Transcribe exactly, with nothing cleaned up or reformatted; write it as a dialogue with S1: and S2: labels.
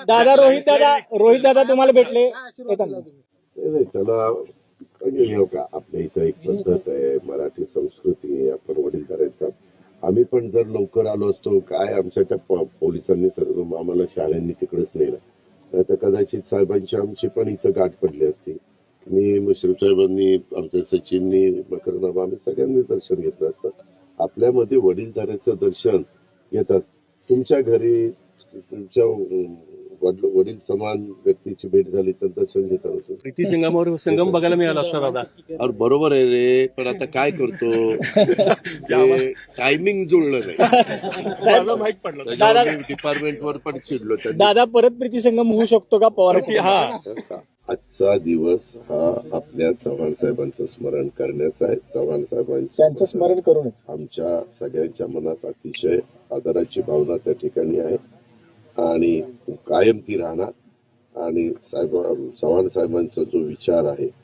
S1: दादा रोहित दादा रोहित दादा तुम्हाला भेटले येताना.
S2: नाही नाही, त्याला म्हणजे हे का आपल्या इथं एक पद्धत आहे, मराठी संस्कृती आहे, आपण वडीलधाऱ्यांचा. आम्ही पण जर लवकर आलो असतो, काय आमच्या त्या प- पोलिसांनी सर्व आम्हाला शाळांनी तिकडेच नेलं, नाही तर कदाचित साहेबांची आमची पण इथं गाठ पडली असती. मी मुश्रीफ साहेबांनी, आमच्या सचिननी, मकरनामा, आम्ही सगळ्यांनी दर्शन घेतलं असतं. आपल्यामध्ये वडीलधाऱ्याचं दर्शन घेतात. तुमच्या घरी तुमच्या अं, वडील वडील समान व्यक्तीची भेट झाली तर दर्शन घेता होतं.
S3: प्रीती संगमावर संगम बघायला मिळाला असता दादा.
S2: अरे बरोबर आहे रे, पण आता काय करतो, टायमिंग जुळलं नाही.
S3: मला माहित पडलं.
S2: त्याच्यावर मी डिपार्टमेंटवर पण चिडलो. त्यांनी
S1: दादा परत प्रीती संगम होऊ शकतो का पवार
S3: हा
S2: आजचा दिवस हा आपल्या चव्हाण साहेबांचं स्मरण करण्याचा आहे. चव्हाण
S1: त्यांचं
S2: साहेबांचं
S1: स्मरण करूनच
S2: आमच्या सगळ्यांच्या मनात अतिशय आदराची भावना त्या ठिकाणी आहे आणि कायम ती राहणार. आणि साहेब चव्हाण साहेबांचा जो विचार आहे